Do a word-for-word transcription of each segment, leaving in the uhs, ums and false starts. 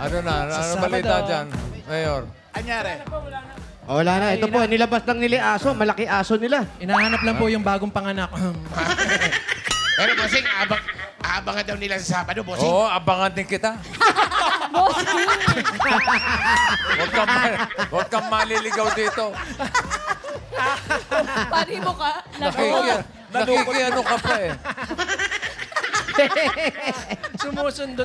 Ano na? Ano, ano Sa balita Sabado. dyan, Mayor? Anyari? O, wala na. Ito po, nilabas lang nila aso. Malaki aso nila. Inahanap lang po yung bagong panganak. Pero bossing, abang, abangan daw nila sa Sabado, bossing. Oo, abangan din kita. Huwag kang, ma- huwag kang maliligaw dito. Pari mo ka. Nakiki, nakikiano ka pa eh. Sumusundot.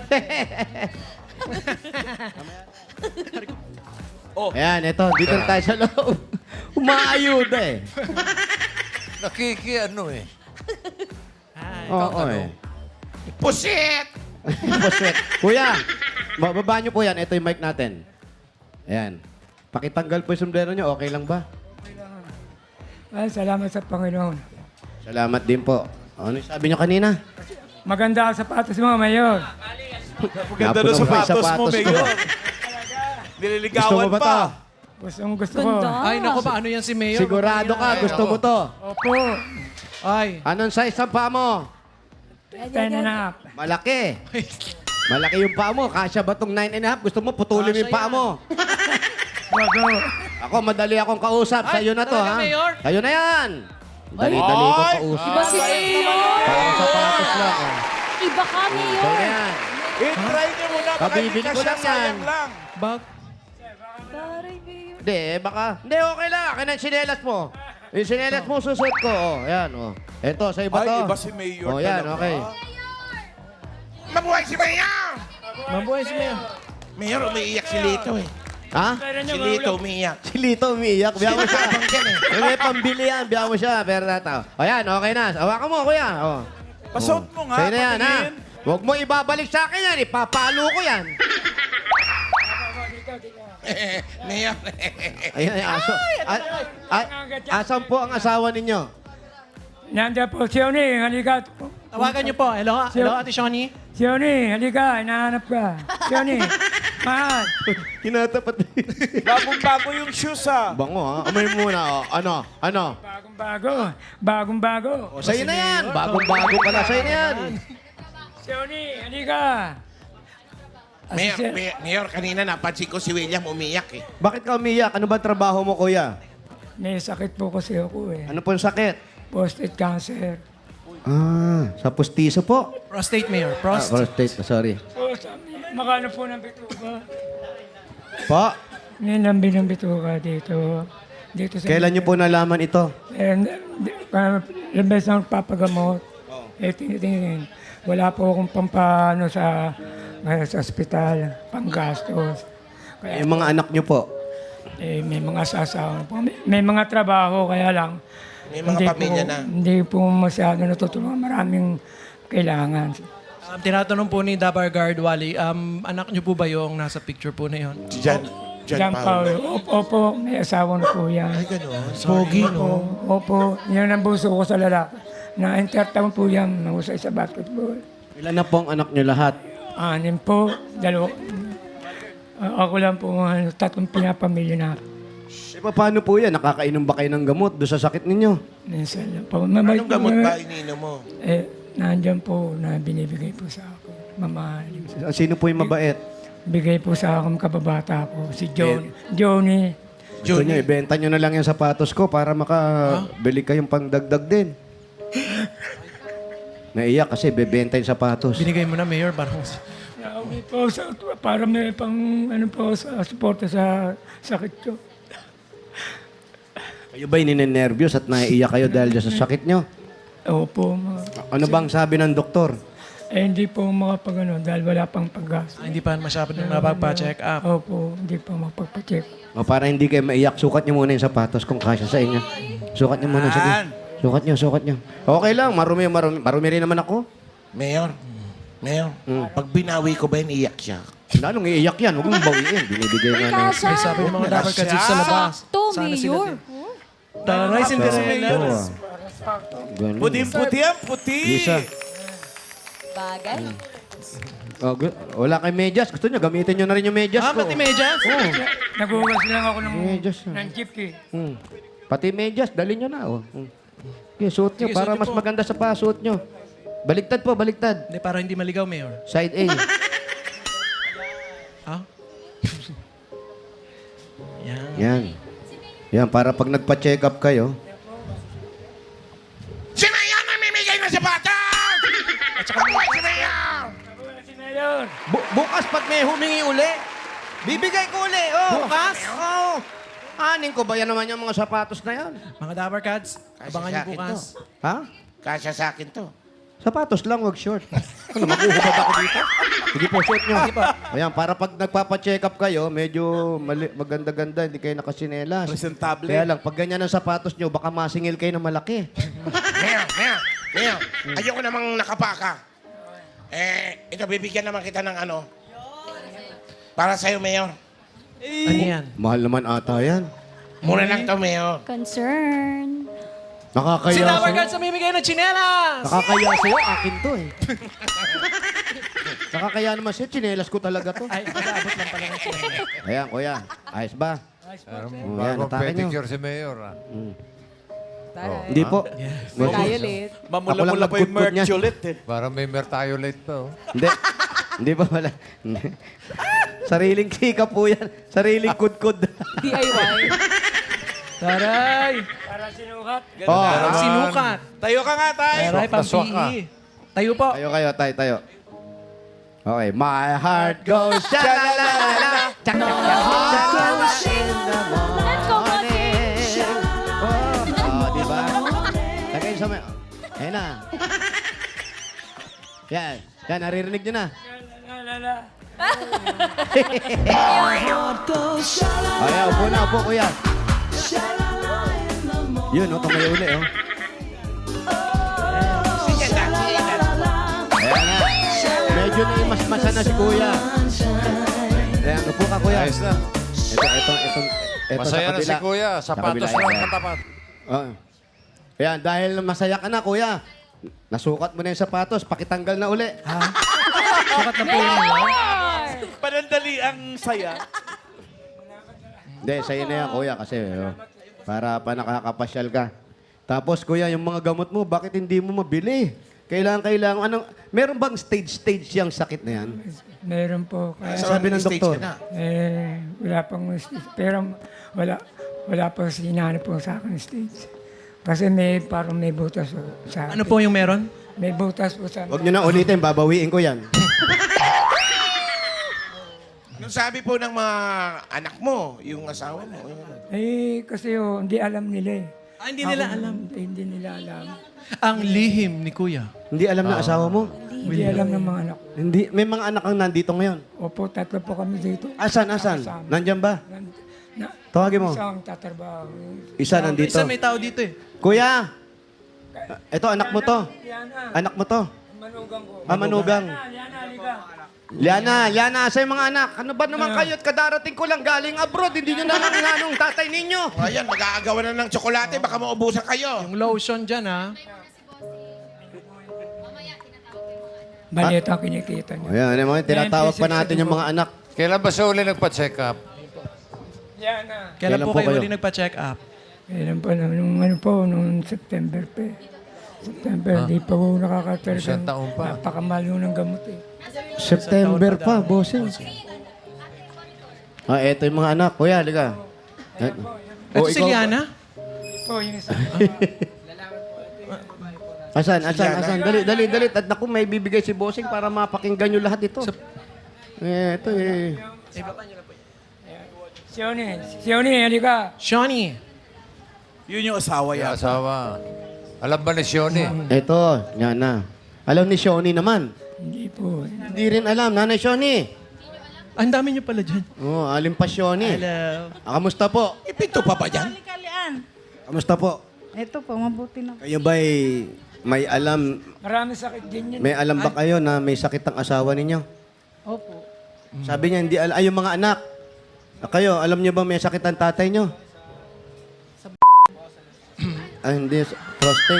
Ayan, ito. Dito na tayo sa loob. Umaayuda eh. Nakikiano eh. Oo eh. Pusit! Puswet. Kuya, bababa niyo po yan. Ito yung mic natin. Ayan. Pakitanggal po yung sombrero niyo. Okay lang ba? Ay, salamat sa Panginoon. Salamat din po. Ano yung sabi niyo kanina? Maganda ang sapatos mo, Mayor. Ganda ng Napuno pa yung sapatos mo, ko. Mayor. Gusto Nililigawan mo ba pa. to? Gustong gusto ko. Ganda. Ay, naku ba? Ano yan si Mayor? Sigurado ka, gusto mo to. Opo. Ay. Anong size ang paa mo? Ten and a half. Malaki. Malaki yung paa mo. Kasya ba tong nine and a half? Gusto mo putulin mo yung paa mo. Wago. Ako, madali akong kausap. Sa'yo na to, talaga, ha? Mayor? Sa'yo na yan. Dali-dali kong Ay! kausap. Iba si Mayor. Parang sapatos lang. Oh. Iba ka, Sa'yo na Mayor. yan. I-try niyo muna. Baka hindi Kabibili ka ko siya, lang yan. sayang lang. Bag. Taray, Mayor. Hindi, eh, baka... Hindi, okay lang. Akin ang sinelas mo. Yung sinelas mo, susot ko. Oh, ayan, oh. Eto, sa iba Ay, to. iba si Mayor Oh, yan, talaga. okay. Mabuhay si Mayor! Mabuhay si Mayor. Mayor, umiiyak si Lito eh. Ha? Si Lito umiiyak. Si Lito umiiyak. Biya mo siya. Abang dyan eh. Yung may pambili yan. Biya mo siya. Pero nata. O yan, okay na. Hawakan mo, kuya. Oh. Pasuot mo nga. Sa'yo na yan, ha? patingin. Huwag mo ibabalik sa akin yan. Ipapalo ko yan. Mayor. Ayun, ay, aso. A- a- asan po ang asawa ninyo? Nandiyan po, Sioni, halika. Tawagan niyo po. Hello, hello, Ate Shawnee. Sioni, halika, hinahanap ka. Sioni, mahal. Hinatapat. Bagong-bago yung shoes, ha? Bango, ha? Amay muna, oh. Ano? Ano? Bagong-bago, bagong-bago. O, sa'yo na yan. Bagong-bago pala. Sa'yo na yan. Sioni, halika. Mayor, Asisyen- Mayor, Mayor, kanina napansin ko si William umiyak eh. Bakit ka umiyak? Ano ba trabaho mo, kuya? May sakit po kasi ako eh. Ano po yung sakit? Prostate cancer. Ah, sa pustiso po. Prostate, Mayor. Ah, Prost. prostate, sorry. Po, sa- makano po ng bituka. Po, May lambi ng bituka dito. Dito sa... kailan niyo po nalaman ito? And, uh, ilang beses na papagamot. Eh, tinitingin. Wala po akong pampano sa, uh, sa ospital, panggastos. Kaya, Yung mga anak niyo po. eh, may mga sasawa po. May, may mga trabaho, kaya lang. May mga pamilya po, na. Hindi po masyado natutulungan. Maraming kailangan. Um, tinatanong po ni Dabar Guard Wally, um, anak niyo po ba yung nasa picture po na yun? Si John, John, John Paolo. Paulo. Opo, opo, may asawa na po yan. Ay, gano'n. Pogi, Opo, no? opo. Yan ang buso ko sa lalaki. Na-entertain po yan, mahusay sa basketball. Ilan na po ang anak niyo lahat? Anim po, dalawa. Ah, ako lang po, ano, tatlong pinapamilya na. Eh, paano po yan? Nakakainom ba kayo ng gamot doon sa sakit ninyo? Minsan lang po. Mamay, Anong gamot ba ininom mo? Eh, nandyan po na binibigay po sa ako. Mamahalin. Sino po yung mabait? Bigay po sa akin kababata ko, si John. Johnny. Gusto niyo, ibenta niyo na lang yung sapatos ko para makabili kayong pangdagdag din. Naiyak kasi bebenta yung sapatos. Binigay mo na, Mayor. Parang... Nauwi po sa, para may pang, ano po, sa suporta sa sakit ko. Kayo ba'y ninenervyos at naiiyak kayo dahil dyan sa sakit nyo? Opo, mga, Ano bang sabi ng doktor? eh, hindi po makapag, ano, dahil wala pang paggas. Ah, hindi pa masyado na napagpa-check up. Opo, hindi pa makapagpacheck. O para hindi kayo maiyak, sukat niyo muna yung sapatos kung kasya sa inyo. Sukat niyo muna. Sige. Sukat niyo, sukat niyo. Okay lang, marumi, marumi. Marumi rin naman ako. Mayor, Mayor, pag binawi ko ba yun, iyak siya? Lalong iiyak yan, huwag mong bawiin. Binibigay nga na. Kasha. Ay, sabi ng mga Dabar Guards dito sa labas. Sakto, Sana sila Mayor. din. Taray, Cinderella. Ganun. Puting-puti ang puti. Lisa. Bagay. Oh, gu- wala kay medyas. Gusto niyo, gamitin niyo na rin yung medyas Ah, ko. pati medyas? Oo. Nagugas lang ako ng, Medyas, ah. ng chipki. Hmm. Pati medyas, dali niyo na. Oh. Hmm. Okay, suot niyo Sige, para suot niyo mas po. maganda sa pa, suot niyo. Baliktad po, baliktad. Hindi, para hindi maligaw, Mayor. Side A. Ha? Yan. Yan. Yan, para pag nagpa-check up kayo, Si Mayor namimigay ng sapatos! At saka si Mayor! Si Mayor! Bu- bukas pag may humingi uli, bibigay ko uli. Oh. Bukas? Oo. Anin ko ba yan naman yung mga sapatos na yan? Mga Dapper Cats, Kasi abangan sa niyo akin bukas. Ha? Kasya sa akin to. Sapatos lang, wag short. Ano, maguhubad ako dito? Sige po, short nyo. Ayan, para pag nagpapa-check up kayo, medyo mali- maganda-ganda, hindi kayo nakasinelas. Presentable. Kaya lang, pag ganyan ang sapatos nyo, baka masingil kayo ng malaki. Mayor, Mayor, Mayor, ayoko namang nakapaka. Eh, ito, bibigyan naman kita ng ano. Para sa'yo, Mayor. Ano yan? Mahal naman ata yan. Mura lang to, Mayor. Concern. Nakakaya Si Dapper sa'yo. Cats namimigay ng tsinelas! Nakakaya sa'yo, akin to eh. Nakakaya naman sa'yo, chinelas ko talaga to. Ay, mag-aabot lang pala ng tsinelas. Ayan, kuya. Ayos ba? Meron Oh, yan, bagong atake nyo. pedicure si Mayor. Ah. Taray. Hindi po. Tayo ulit. Mamula-mula Ako lang pa yung nagkutkut niya. merch ulit eh. Para may mertiolate pa. Oh. Hindi. Hindi pa wala. Hindi. Sariling kika po yan. Sariling kudkud. D I Y. Taray! Para sinukat. Oh, Ang sinukat. Tayo ka nga, tay. Taray, Swak na swak pang-P ka. E. Tayo po. tayo kayo, tayo, tayo. Okay. My heart goes sha-la-la-la-la. Goes in the Let's go, morning. Oh, oh, di ba? Lagay sa may... Ayan na. Yan. Yan, naririnig nyo na. La, la, la. Ay, upo na, upo, kuya. Yun, oh, tumayo uli, oh. Sige na, sige na. Ayan na. Medyo na mas masa na si kuya. Ayan, upo ka, kuya. Ayos na. Ito, ito, ito, ito Masaya sa na si kabila. Kuya. Sa Sapatos kabila, lang ayan. katapat. Oh. Ayan, dahil masaya ka na, kuya. Nasukat mo na yung sapatos, pakitanggal na uli. Ha? Sukat na po yun. no? Panandali ang saya. Hindi, sa'yo na yan, kuya, kasi oh, para pa nakakapasyal ka. Tapos, kuya, yung mga gamot mo, bakit hindi mo mabili? Kailangan, kailangan, anong, meron bang stage-stage yung sakit na yan? Meron po. Kaya, Sabi ng Stage doktor. ka na. eh, wala pang stage. Pero wala, wala pa sinanap po sa akin stage. Kasi may, parang may butas po sa Ano po yung meron? May butas po sa Huwag nyo na ulitin, babawiin ko yan. Nung sabi po ng mga anak mo, yung asawa mo, yun. Eh, kasi oh, hindi alam nila eh. Ah, hindi nila Ako, alam. Hindi, hindi nila alam. Ang lihim ni Kuya. Hindi alam na asawa mo? Hindi alam ng mga anak. Hindi, may mga anak ang nandito ngayon. Opo, tatlo po kami dito. Asan, asan? Nandyan ba? Nan- Na, Tawagin mo. Isang tatrabaho. Isa nandito. Isa may tao dito eh. Kuya! Ito, anak mo to. Liana, Anak mo to. manugang ko. Ah, manugang. Liana, halika. Liana, Liana, sa mga anak. Ano ba naman kayo at kadarating ko lang galing abroad. Hindi nyo naman nanong tatay ninyo. O, ayan, mag-aagawan na ng tsokolate, baka maubusan kayo. Yung lotion dyan ha. Maliit ang kinikita niyo. Ayan, yung mga tinatawag pa natin yung mga anak. Kailan ba siya uli nagpa-check up? Liana. Kailan Kailan po po kayo kayo? uli nagpa-check up? Kailan pa naman, nung ano po, nung September pa eh. September, di pa po nakakatalaga. Isang taon pa. Napakamahal yun ng gamot eh. September pa, bossing. Ah, eto yung mga anak. Kuya, halika. Ito si Liana? Po, yung isa. Asan, asan, asan? Dali, dali, dali. At naku, may bibigay si bossing para mapakinggan nyo lahat ito. Eh, ito eh. Sione, Sione, halika. Shawnee. Yun yung asawa Yung yan. asawa. Alam ba ni Shoni? Ito, yan na. Alam ni Shoni naman. Hindi po. Hindi rin alam. Nanay Shoni. Ah, ang dami niyo pala dyan. Oh, alim pa Shoni. Hello. Ah, kamusta po? Ipinto pa ba dyan? Kalian. Kamusta po? Ito po, mabuti na. Kayo ba'y may alam, Marami sakit din yun. may alam ba kayo na may sakit ang asawa ninyo? Opo. Sabi niya, hindi alam. Ay, yung mga anak. Ah, Kayo, alam niyo ba may sakit ang tatay niyo? Ah, hindi. Prostate.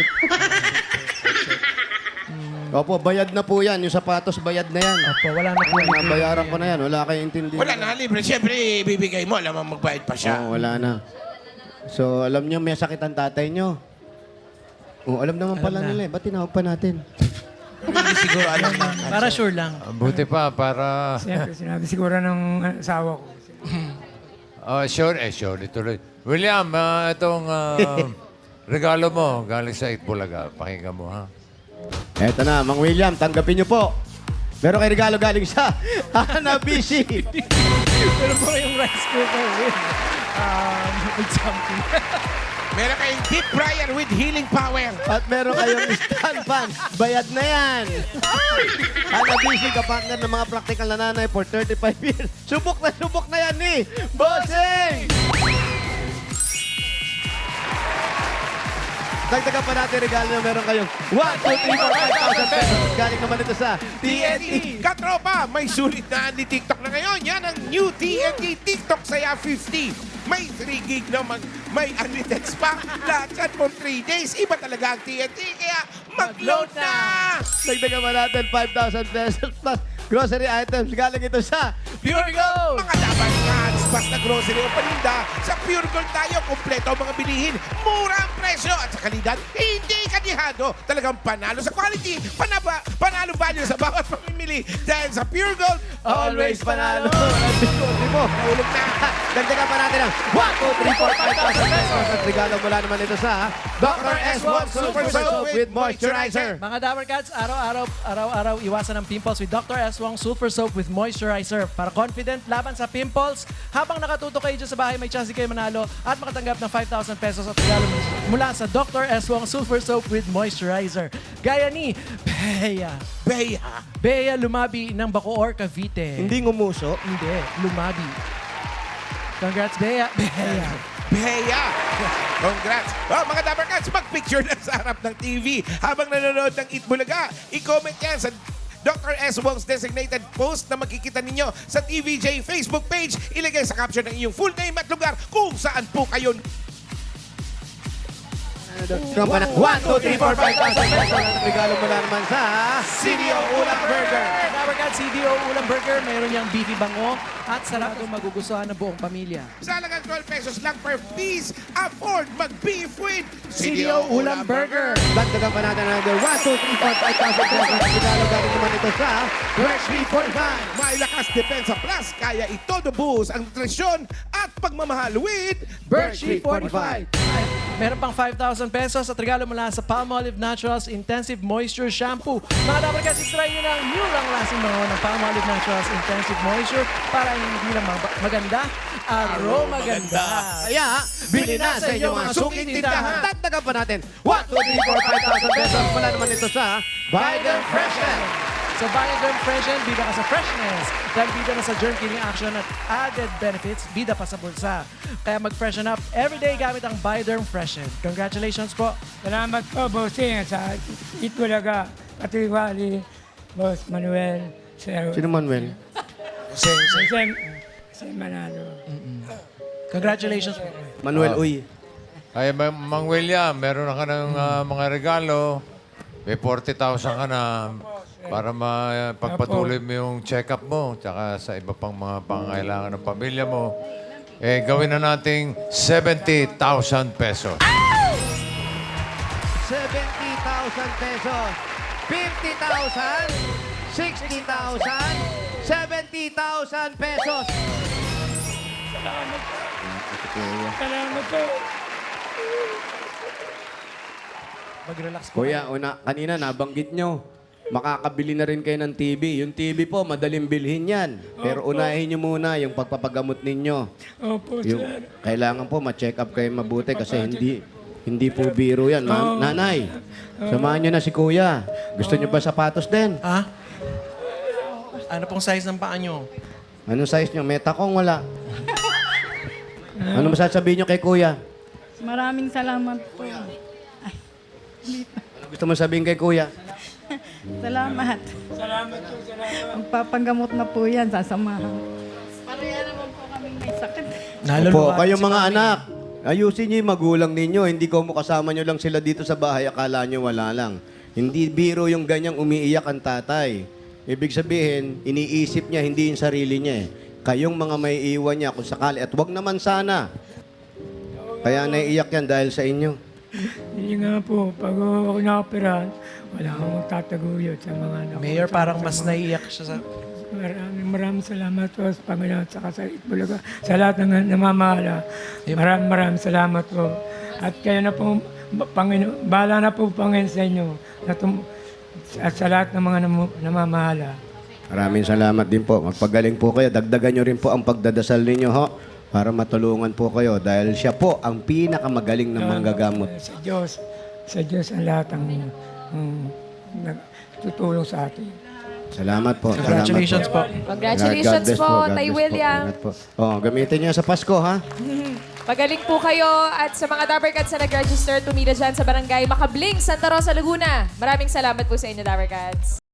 Opo, bayad na po yan. Yung sapatos, bayad na yan. Opo, wala na po. Nabayaran ko na yan. Wala kayong intindihan. Wala na, libre. Siyempre, ibibigay mo. Alam mo, magbayad pa siya. Oo, wala na. So, alam niyo may sakit ang tatay niyo. Oo, alam naman pala na. nila eh. Ba't tinawag pa natin? Hindi siguro alam na. Para sure lang. Ah, Buti pa, para... Siyempre, sinabi siguro ng asawa ko. Oh, sure, eh, sure, tuloy. William, ah, itong ah, regalo mo, galing sa Itbulaga. Pakinggan mo, ha? Eto na, Mang William, tanggapin niyo po. Meron kay regalo galing sa Hanabishi. Pero po yung rice cooker with, um, with something. Meron kayong deep fryer with healing power. At meron kayong stand fan. Bayad na yan. Hanabishi, kapartner ng mga practical na nanay for thirty-five years. Subok na subok na yan ni Bossing! Dagdagan pa natin regalo na meron kayong one, two, three, four, five thousand pesos. Galing naman ito sa T N T. Katropa, may sulit na ni TikTok na ngayon. Yan ang new T N T TikTok Saya fifty. May three gig na mag, may unlimited pa. Lahat yan for three days. Iba talaga ang T N T. Kaya mag-load na! Dagdagan pa natin five thousand pesos plus grocery items. Galing ito sa Pure Gold! Mga dapat ngans, basta grocery o paninda, sa Pure Gold tayo, kompleto ang mga bilihin, mura ang presyo at sa kalidad, hindi kanihado. Talagang panalo sa quality, panaba, panalo value sa bawat pamimili. Dahil sa Pure Gold, Always panalo. Hindi mo. Ulog na! Dagdagan pa natin ang one, two, three, four, five thousand pesos. At regalo mula naman ito sa Doctor S one Super Soap with Moisturizer. Mga Dabber Cats, araw-araw, araw-araw iwasan ang pimples with Doctor S one Sulfur Soap with Moisturizer. Para confident laban sa pimples, habang nakatuto kayo dyan sa bahay, may chance kayo manalo at makatanggap ng five thousand pesos at regalo mula sa Doctor S one Sulfur Soap with Moisturizer. Gaya ni Bea. Bea! Bea lumabi ng Bacoor, Cavite. Hindi ngumuso. Hindi, lumabi. Congrats, Bea. Bea. Bea! Congrats! Oh, mga Dabber Cats, mag-picture na sa harap ng T V habang nanonood ng Eat Bulaga. I-comment yan sa Doctor S. Wong's designated post na makikita ninyo sa T V J Facebook page. Ilagay sa caption ng iyong full name at lugar kung saan po kayo. one, two, three, four, five thousand pesos. At regalo mula naman sa C D O Ulam Burger. Dabber Cats, C D O Ulam Burger. Mayroon niyang beefy bango at sarap itong magugustuhan ng buong pamilya. Sa halagang twelve pesos lang per piece, afford mag-beef with C D O Ulam Burger. Dagdagan pa natin another one, two, three, four, five thousand pesos. At regalo galing naman ito sa Fresh three forty-five. May lakas depensa plus, kaya ito buhos ang nutrisyon at pagmamahal with Birch three forty-five. Meron pang five thousand pesos at regalo mula sa Palmolive Naturals Intensive Moisture Shampoo. Mga Dabber Cats, try nyo na ang new long-lasting bango ng Palmolive Naturals Intensive Moisture para hindi lang mag- maganda, aroma ganda. Kaya, bili na sa inyong mga suking tindahan. Dagdagan pa natin one, two, three, four, five thousand pesos. Mula naman ito sa Biden Freshen. Sa Bioderm Freshen, bida ka sa freshness. Dahil bida na sa germ killing action at added benefits, bida pa sa bulsa. Kaya mag-freshen up everyday gamit ang Bioderm Freshen. Congratulations po. Salamat po, Bossing, sa Itbulaga, Katiwali, Boss Manuel, Sir Sino Manuel? Jose, Jose Manalo. Congratulations po. Manuel Uy. Ay, Ma- Mang William, meron na ka ng ah, mga regalo. May forty thousand ka na para mapagpatuloy mo yung check-up mo tsaka sa iba pang mga pangangailangan ng pamilya mo. Eh, gawin na nating seventy thousand pesos. seventy thousand pesos. fifty thousand. sixty thousand. seventy thousand pesos. Salamat po. Mag-relax po. Kuya, una, kanina nabanggit nyo, makakabili na rin kayo ng T V. Yung T V po, madaling bilhin yan. Pero unahin nyo muna yung pagpapagamot ninyo. Opo, Yung, sir. kailangan po ma-check up kayo mabuti kasi hindi hindi po biro yan. Ma- nanay, samahan nyo na si kuya. Gusto nyo ba sapatos din? Ah? Ano pong size ng paa nyo? Anong size nyo? Meta kong wala. Ano masasabihin nyo kay kuya? Maraming salamat po. Ano gusto mo sabihin kay kuya? Salamat. Salamat po, salamat. Ang papagamot na po yan, sasamahan. Pareha naman po kami may sakit. Opo, kayong mga anak, ayusin nyo yung magulang ninyo. Hindi ko mo kasama nyo lang sila dito sa bahay, akala nyo wala lang. Hindi biro yung ganyang umiiyak ang tatay. Ibig sabihin, iniisip niya, hindi yung sarili niya eh. Kayong mga may iwan niya kung sakali. At wag naman sana. Kaya naiiyak yan dahil sa inyo. Hindi nga po, pag ako na-operahan, wala akong tataguyod sa mga anak ko. Mayor, Sa- parang sa mas mga- naiiyak siya sa... Maraming maraming salamat po sa Panginoon at saka sa Itbulaga. Sa lahat ng namamahala. Maraming maraming salamat po. At kayo na po, Panginoon, bahala na po Panginoon sa inyo. Na tum- at sa lahat ng mga nam- namamahala. Maraming salamat din po. Magpagaling po kayo. Dagdagan nyo rin po ang pagdadasal ninyo, ho, para matulungan po kayo. Dahil siya po ang pinakamagaling na manggagamot. Sa Diyos, sa Diyos ang lahat ang, ang nagtutulong sa atin. Salamat po. Congratulations po. Congratulations God bless po, God Tay bless po. William. Ingat po. Oh, gamitin niyo sa Pasko, ha? Magaling po kayo at sa mga Dabber Cats na nag-register, tumira dyan sa Barangay Makabling, Santa Rosa, Laguna. Maraming salamat po sa inyo, Dabber Cats.